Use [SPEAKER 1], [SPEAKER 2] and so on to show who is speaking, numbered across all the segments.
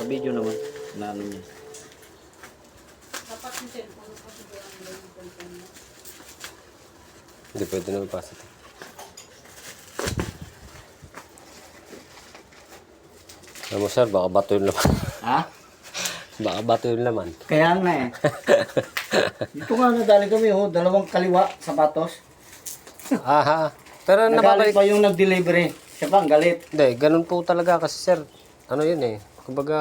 [SPEAKER 1] Naka-video naman. Na ano niya.
[SPEAKER 2] Dapat yung cellphone ko siguro ang cellphone mo.
[SPEAKER 3] Hindi pwede na ipasa ito. Alam mo sir, baka bato yung laman.
[SPEAKER 1] Ha?
[SPEAKER 3] Baka bato yung laman.
[SPEAKER 1] Kaya nga eh. Dito nga nadali kami oh, dalawang kaliwa sapatos.
[SPEAKER 3] Aha. Pero
[SPEAKER 1] Nagalit
[SPEAKER 3] nababalik.
[SPEAKER 1] pa yung nag-delivery. Siya pa ang galit.
[SPEAKER 3] Hindi, ganun po talaga kasi sir. Ano yun eh. Kumbaga,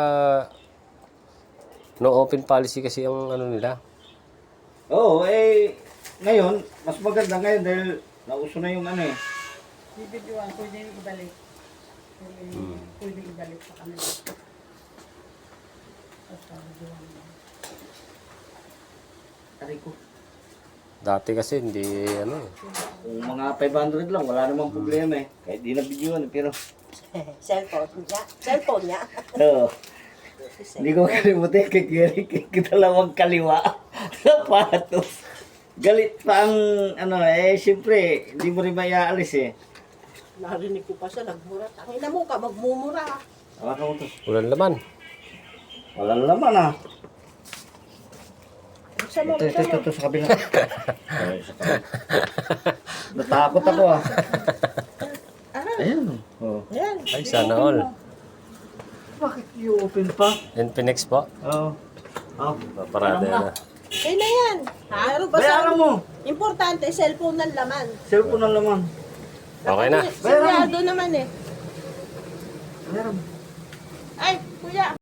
[SPEAKER 3] no open policy kasi ang ano nila.
[SPEAKER 1] Oo, eh, ngayon, mas maganda ngayon dahil nauso na yung ano eh.
[SPEAKER 2] Bibidyoan, pwede yung ibalik. Pwede ibalik sa kanila. Basta bidyoan mo.
[SPEAKER 1] Aray ko.
[SPEAKER 3] Dati kasi hindi ano eh.
[SPEAKER 1] Kung mga 500 lang, wala namang problema eh. Kahit di na video pero...
[SPEAKER 2] Cellphone niya. Cellphone niya.
[SPEAKER 1] Oo. Hindi ko kalimutin kay Kiri, kay dalawang kaliwa. Sapatos. Galit pa ang ano eh, siyempre, hindi mo rin maiaalis eh.
[SPEAKER 2] Narinig ko pa siya, nagmura. Tangina mo ka, magmumura.
[SPEAKER 1] Hawakan mo to.
[SPEAKER 3] Walang laman.
[SPEAKER 1] Walang laman ah.
[SPEAKER 2] Buksan mo, buksan mo.
[SPEAKER 1] Ito, sa kabila. Ay, sa kabila. Natakot ako ah. Ayan. Oh.
[SPEAKER 2] Ayan.
[SPEAKER 3] Ay, sana all.
[SPEAKER 1] Bakit i-open pa?
[SPEAKER 3] Infinix po.
[SPEAKER 1] Oo. Oh.
[SPEAKER 3] Parada na.
[SPEAKER 2] Okay na yan. Pero
[SPEAKER 1] Bayaran
[SPEAKER 2] basta,
[SPEAKER 1] mo.
[SPEAKER 2] importante, cellphone ng laman.
[SPEAKER 1] Cellphone ang laman.
[SPEAKER 3] Okay na.
[SPEAKER 2] Sigurado naman eh.
[SPEAKER 1] Bayaran mo.
[SPEAKER 2] Ay, kuya.